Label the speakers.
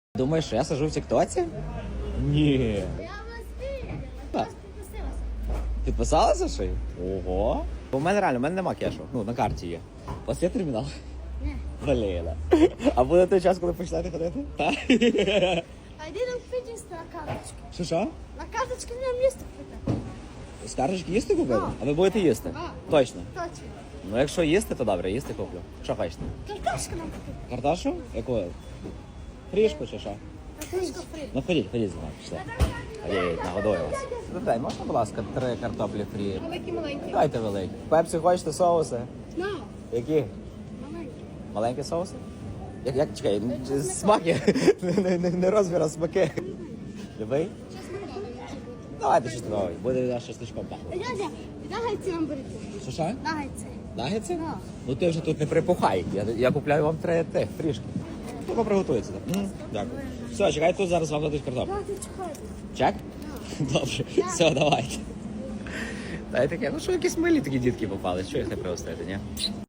Speaker 1: Думаєш, що я сижу в тіктоці? Ні.
Speaker 2: Я вас вірю.
Speaker 1: Так.
Speaker 2: Я вас підписалася.
Speaker 1: Підписалася ще й? Ого. У мене реально, у мене нема кешу. Ну, на карті є. У вас є термінал?
Speaker 2: Ні.
Speaker 1: Блін. А буде той час, коли почнете ходити? Так.
Speaker 2: А йди нам підійсно на карточку.
Speaker 1: Що?
Speaker 2: На карточку нам місто купити.
Speaker 1: З карточки їсти купили?
Speaker 2: Так.
Speaker 1: А ви будете їсти?
Speaker 2: Так.
Speaker 1: Точно.
Speaker 2: Точно.
Speaker 1: Ну, якщо їсти, то добре, їсти куплю. Що хочете?
Speaker 2: Картошку нам купити.
Speaker 1: Картошу? Яку? Фрішку чи що?
Speaker 2: Картошку фрі.
Speaker 1: Ну, ходіть зі мною, пішли. Ходіть, нагодую вас. Дай, можна, будь ласка, 3 картоплі фрі?
Speaker 2: Маленький-маленький.
Speaker 1: Дайте великі. Пепсі хочете соуси?
Speaker 2: На.
Speaker 1: Які?
Speaker 2: Маленький.
Speaker 1: Маленькі соуси? Як чекай, смаки, не розмір, а смаки. Любий?
Speaker 2: Щас ми додали, може бути.
Speaker 1: Давайте щось нове, буде від нас щасличком пахнути.
Speaker 2: Дядя, нагайці нам берете.
Speaker 1: Що?
Speaker 2: Нагайці.
Speaker 1: Нагетси?
Speaker 2: Да.
Speaker 1: Ну ти вже тут не припухай, я купляю вам 3 фрішки. Тільки приготується. Дякую. Все, чекай, тут зараз вам дадуть картоплю.
Speaker 2: Дядя, чекайте.
Speaker 1: Чек? Добре, все, давайте. Та й таке, ну що якісь милі такі дітки попали, що їх не пригостити, ні?